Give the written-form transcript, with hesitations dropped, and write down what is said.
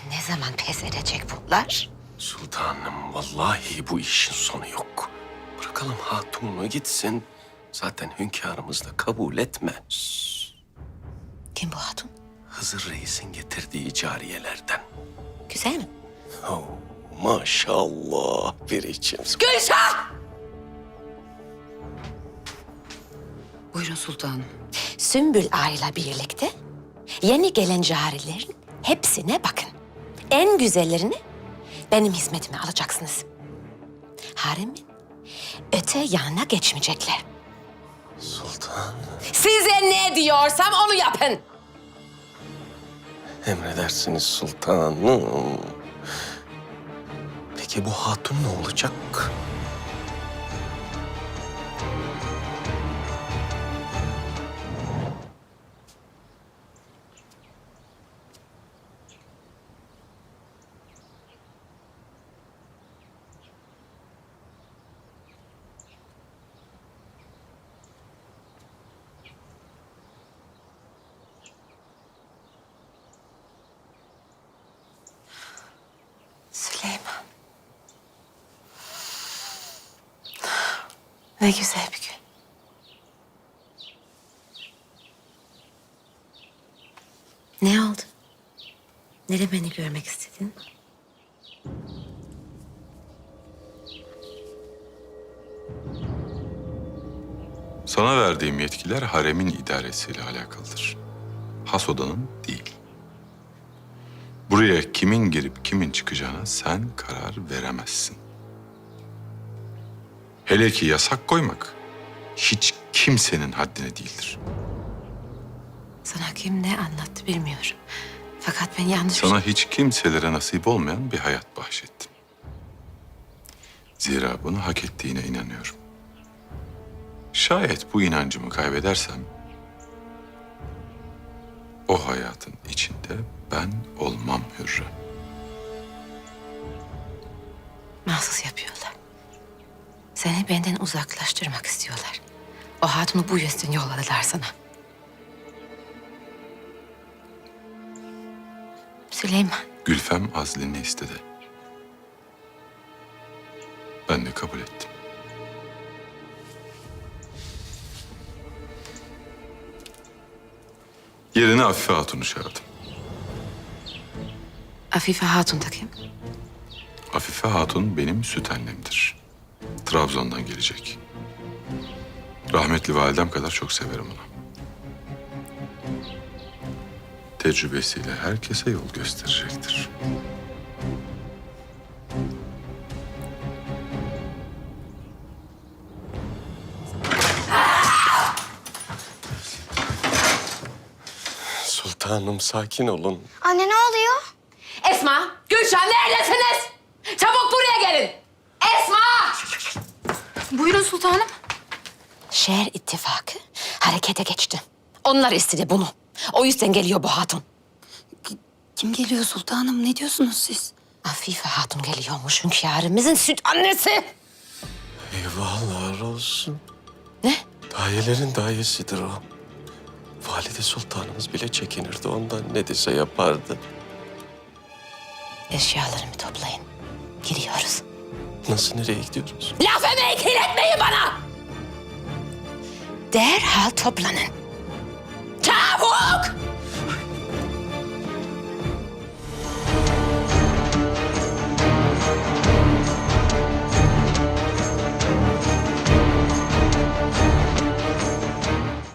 Ne zaman pes edecek bunlar? Sultanım, vallahi bu işin sonu yok. Bırakalım hatununu gitsin. Zaten hünkârımız da kabul etmez. Kim bu hatun? Hızır Reis'in getirdiği cariyelerden. Güzel mi? Oh, maşallah bir içim. Gülşah! Buyurun sultanım. Sümbül Ağa'yla birlikte yeni gelen carilerin hepsine bakın. En güzellerini benim hizmetime alacaksınız. Haremin öte yanına geçmeyecekler. Sultan, Size ne diyorsam onu yapın. emredersiniz sultanım. Peki bu hatun ne olacak? Süleyman. Ne güzel bir gün. Ne oldu? Nereye beni görmek istedin? Sana verdiğim yetkiler haremin idaresiyle alakalıdır. Has odanın değil. Buraya kimin girip kimin çıkacağına sen karar veremezsin. Hele ki yasak koymak hiç kimsenin haddine değildir. Sana kim ne anlattı bilmiyorum. Fakat ben yanlış... Sana hiç kimselere nasip olmayan bir hayat bahşettim. Zira bunu hak ettiğine inanıyorum. Şayet bu inancımı kaybedersem, o hayatın içinde ben olmam Hürrem. Mahsus yapıyorlar. Seni benden uzaklaştırmak istiyorlar. O hatunu bu yüzden yolladılar sana. Süleyman, Gülfem azlini istedi. Ben de kabul ettim. Yerine Afife Hatun'u çağırdım. Afife Hatun da kim? Afife Hatun benim süt annemdir. Trabzon'dan gelecek. Rahmetli validem kadar çok severim onu. Tecrübesiyle herkese yol gösterecektir. Sultanım, sakin olun. Anne ne oluyor? Esma, Gülşen neredesiniz? Çabuk buraya gelin. Esma! Buyurun sultanım. Şehir ittifakı harekete geçti. Onlar istedi bunu. O yüzden geliyor bu hatun. Kim geliyor sultanım? Ne diyorsunuz siz? Afife Hatun geliyormuş hünkârımızın süt annesi. Eyvahlar olsun. Ne? Dayelerin dayesidir o. Valide Sultanımız bile çekinirdi ondan. Ne dese yapardı. Eşyalarımı toplayın. Giriyoruz. Nasıl, nereye gidiyoruz? Laf emeği kirletmeyin bana! Derhal toplanın.